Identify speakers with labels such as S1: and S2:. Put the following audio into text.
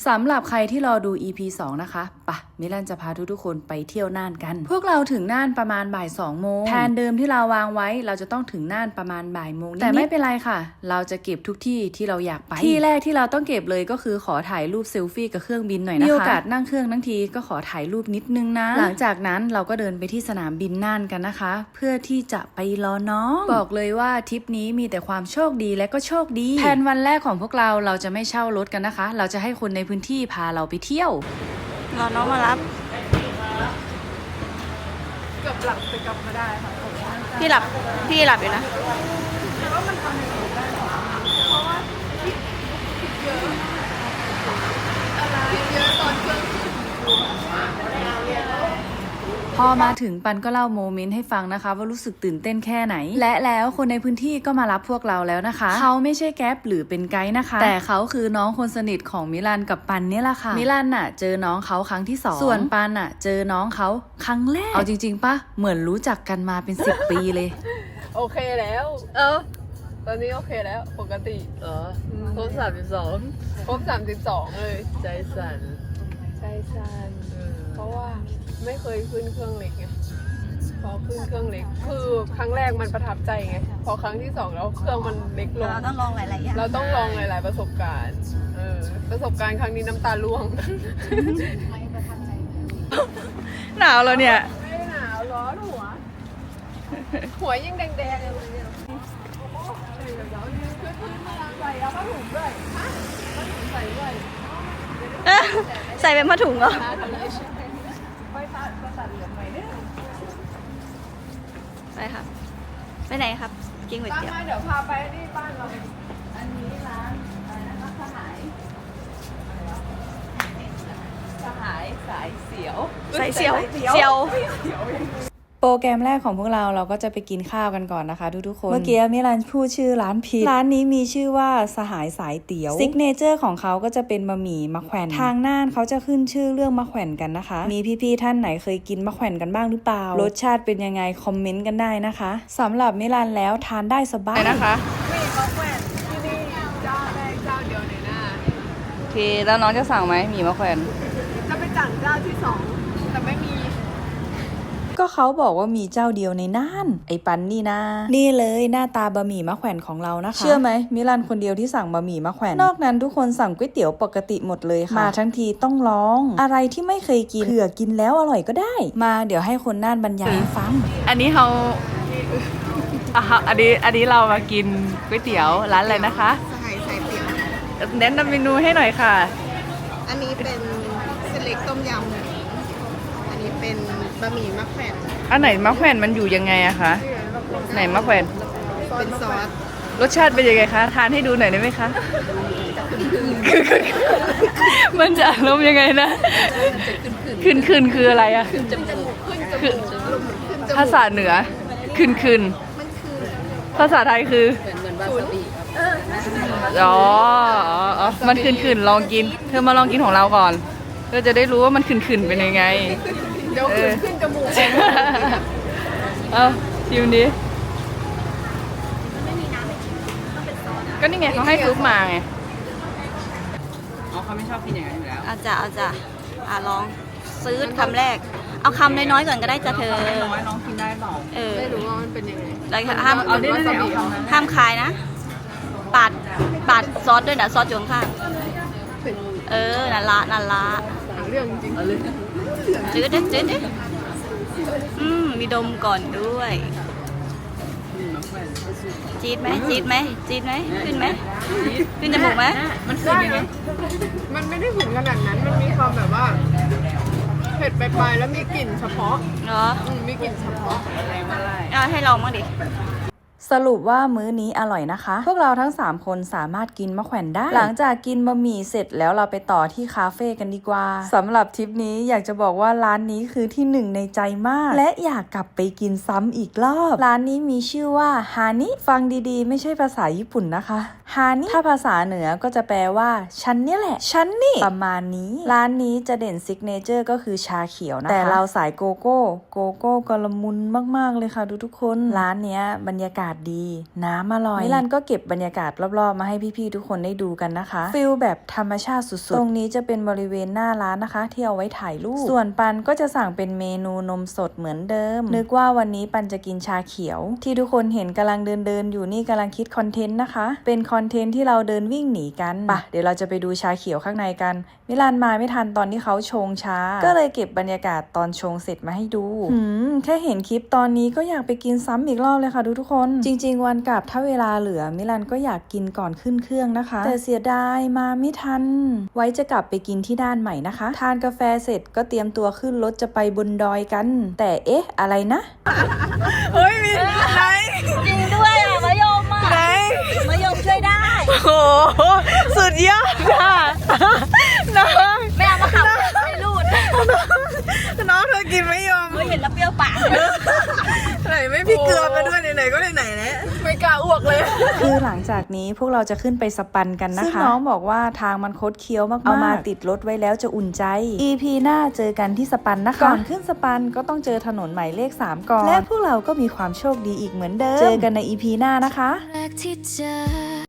S1: สำหรับใครที่รอดู EP 2 นะคะปะมิลันจะพาทุกคนไปเที่ยวน่านกันพวกเราถึงน่านประมาณบ่าย2 โมงแทนเดิมที่เราวางไว้เราจะต้องถึงน่านประมาณบ่ายโมงแต่ไม่เป็นไรค่ะเราจะเก็บทุกที่ที่เราอยากไปที่แรกที่เราต้องเก็บเลยก็คือขอถ่ายรูปเซลฟี่กับเครื่องบินหน่อยนะคะมีโอกาสนั่งเครื่องทั้งทีก็ขอถ่ายรูปนิดนึงนะหลังจากนั้นเราก็เดินไปที่สนามบินน่านกันนะคะเพื่อที่จะไปรอน้องบอกเลยว่าทริปนี้มีแต่ความโชคดีและก็โชคดีแผนวันแรกของพวกเราจะไม่เช่ารถกันนะคะเราจะให้คนในพื้นที่พาเราไปเที่ยว
S2: รอน้องมารับ
S3: เกือบหลับแต่กลับมาได้ค่ะ
S2: พี่หลับอยู่นะ
S3: ว่ามันทำให้ผมได้เพราะว่าคิดเยอะอะไรเยอะตอนเครื่อง
S1: พอมาถึงปันก็เล่าโมเมนต์ให้ฟังนะคะว่ารู้สึกตื่นเต้นแค่ไหนและแล้วคนในพื้นที่ก็มารับพวกเราแล้วนะคะเขาไม่ใช่แก๊ปหรือเป็นไกด์นะคะแต่เขาคือน้องคนสนิทของมิลันกับปันนี่แหละค่ะมิลันน่ะเจอน้องเขาครั้งที่2ส่วนปันน่ะเจอน้องเขาครั้งแรกเอาจริงๆปะเหมือนรู้จักกันมาเป็น10 ปีเลย
S3: โอเคแล้วตอนนี้โอเคแล้วปกติ
S4: ครบ32
S3: ครบ32เลย
S4: ใจสั่น
S3: เพราะว่าไม่เคยขึ้นเครื่องเล็กไงพอขึ้นเครื่องเล็กคือครั้งแรกมันประทับใจไงพอครั้งที่2แล้วเครื่องมันเล็กลง
S2: เราต้องลองหลายๆอย่าง
S3: เราต้องลองหลายๆประสบการณ์ประสบการณ์ครั้งนี้น้ำตาร่วง
S1: หนาวแล้วเนี่ย
S3: ไม่หนาวร้อนหัวยิ่งแดงๆเลยเนี่ยใส่แล้วผ้าถุงด้วยผ้าถุงใส่ด้วย
S2: ใส่เป็นผ้าถุงเหรอไปครับไปไหนครับกินก๋วยเตี๋ยว
S3: เดี๋ยวพาไปที่บ้านเราอันนี้ร้านอะไรนะคะสหายสายเสียว
S1: โปรแกรมแรกของพวกเราก็จะไปกินข้าวกันก่อนนะคะทุกคนเมื่อกี้มิลันพูดชื่อร้านผิดร้านนี้มีชื่อว่าสหายสายเตี๋ยวซิกเนเจอร์ของเขาก็จะเป็นบะหมี่มะแขวนทางน่านเขาจะขึ้นชื่อเรื่องมะแขวนกันนะคะมีพี่ๆท่านไหนเคยกินมะแขวนกันบ้างหรือเปล่ารสชาติเป็นยังไงคอมเมนต์กันได้นะคะสำหรับมิลันแล้วทานได้สบายนะคะ
S3: มีมะแขวนที่นี่เจ้าแรกเจ้าเดียวในหน้า
S1: โอเคแล้วน้องจะสั่งไหมหมี่มะแขวน
S3: จะไปสั่งเจ้าที่2แต่ไม่มี
S1: ก็เขาบอกว่ามีเจ้าเดียวในน่านไอ้ปันนี่นะนี่เลยหน้าตาบะหมี่มะแขวนของเรานะคะเชื่อไหมมิลันคนเดียวที่สั่งบะหมี่มะแขวนนอกนั้นทุกคนสั่งก๋วยเตี๋ยวปกติหมดเลยค่ะมาทั้งทีต้องลองอะไรที่ไม่เคยกินเผื่อกินแล้วอร่อยก็ได้มาเดี๋ยวให้คนน่านบรรยายฟังอันนี้เขาอันนี้เรามากินก๋วยเตี๋ยวร้านอะไรนะคะ
S5: สหายสายเตี๋ยว
S1: แนะนำเมนูให้หน่อยค่ะ
S5: อันนี้เป็นเส้นเล็กต้มยำอันนี้เป็นบะหมี่มะแขวน
S1: อันไหนมะแขวนมันอยู่ยังไงอะคะไหนมะแขวน
S5: เป็นซอส
S1: รสชาติเป็นยังไงคะทานให้ดูหน่อยได้ไหมคะมันจะอารมณ์ยังไงนะขึ้นคืออะไรอะภาษาเหนือขึ้นภาษาไทยคือ
S4: เหมือนวาซาบิ
S1: อ๋อมันขึ้นลองกินเธอมาลองกินของเราก่อนเธอจะได้รู้ว่ามันขึ้นเป็นยังไง
S3: เดี๋ยวขึ้นจมูก
S1: ชิมดิก็นี่ไงเขาให้ซุปมาไงเขาไม่ชอบกินอย่างนั้นอยู่แล้ว
S2: เอาจ้ะลองซื้อคำแรกเอาคำน้อยๆก่อนก็ได้จ้ะเธอ
S1: น้องกินได้เปล่า
S3: ไม่รู้ว่ามันเป็นยังไง
S2: ห้ามคายนะปาดซอสด้วยนะซอสอยู่ข้างนั่นละ
S3: เรื่องจริง
S2: จืดดิมีดมก่อนด้วยจี๊ดไหมขึ้นไหมขึ้นจมูกไหม
S1: มันขึ้นยังไง
S3: มันไม่ได้ขุ่นขนาดนั้นมันมีความแบบว่าเผ็ดไปแล้วมีกลิ่นเฉพาะ
S2: เหรอ
S3: มีกลิ่นเฉพาะ
S2: ให้ลองบ้างดิ
S1: สรุปว่ามื้อนี้อร่อยนะคะพวกเราทั้ง3คนสามารถกินมะแขวนได้หลังจากกินบะหมี่เสร็จแล้วเราไปต่อที่คาเฟ่กันดีกว่าสำหรับทริปนี้อยากจะบอกว่าร้านนี้คือที่1ในใจมากและอยากกลับไปกินซ้ำอีกรอบร้านนี้มีชื่อว่าฮานิฟังดีๆไม่ใช่ภาษาญี่ปุ่นนะคะฮานิถ้าภาษาเหนือก็จะแปลว่าฉันนี่แหละฉันนี่ประมาณนี้ร้านนี้จะเด่นซิกเนเจอร์ก็คือชาเขียวนะคะแต่เราสายโกโก้ก็ละมุนมากๆเลยค่ะทุกคนร้านเนี้ยบรรยากาศศดี น้ำอร่อยมิลันก็เก็บบรรยากาศรอบๆมาให้พี่ๆทุกคนได้ดูกันนะคะฟิลแบบธรรมชาติสุดๆตรงนี้จะเป็นบริเวณหน้าร้านนะคะที่เอาไว้ถ่ายรูปส่วนปันก็จะสั่งเป็นเมนูนมสดเหมือนเดิมนึกว่าวันนี้ปันจะกินชาเขียวที่ทุกคนเห็นกำลังเดินอยู่นี่กำลังคิดคอนเทนต์นะคะเป็นคอนเทนต์ที่เราเดินวิ่งหนีกันปะเดี๋ยวเราจะไปดูชาเขียวข้างในกันมิลันมาไม่ทันตอนที่เขาชงชาก็เลยเก็บบรรยากาศตอนชงเสร็จมาให้ดูแค่เห็นคลิปตอนนี้ก็อยากไปกินซ้ำอีกรอบเลยค่ะทุกคนจริงๆวันกลับถ้าเวลาเหลือมิลันก็อยากกินก่อนขึ้นเครื่องนะคะแต่เสียดายมาไม่ทันไว้จะกลับไปกินที่ด้านใหม่นะคะทานกาแฟเสร็จก็เตรียมตัวขึ้นรถจะไปบนดอยกันแต่เอ๊ะอะไรนะ
S3: เฮ้ยมีไหน
S2: จริงด้วยอ่ะมะยมอ่ะ
S3: ไหน
S2: มะยมช่วยได้
S3: โอ้โหสุดยอดค่ะน้อง
S2: ไม่เอามาขับไม่รูด
S3: น้องเธอกินไม่ยอม
S2: เฮ้ยเห็นแล้วเปรี้ยวปาก
S3: ไหนไม่พี่เกลือมาด้วยไหนๆก็ไหนๆแล้วไม่กล้าอ้วกเลย
S1: คือหลังจากนี้พวกเราจะขึ้นไปสปันกันนะคะซึ่งน้องบอกว่าทางมันคดเคี้ยวมากๆเอามาติดรถไว้แล้วจะอุ่นใจ EP หน้าเจอกันที่สปันนะคะก่อนขึ้นสปันก็ต้องเจอถนนหมายเลข3ก่อนและพวกเราก็มีความโชคดีอีกเหมือนเดิมเจอกันใน EP หน้านะคะ
S6: แรกที่เจอ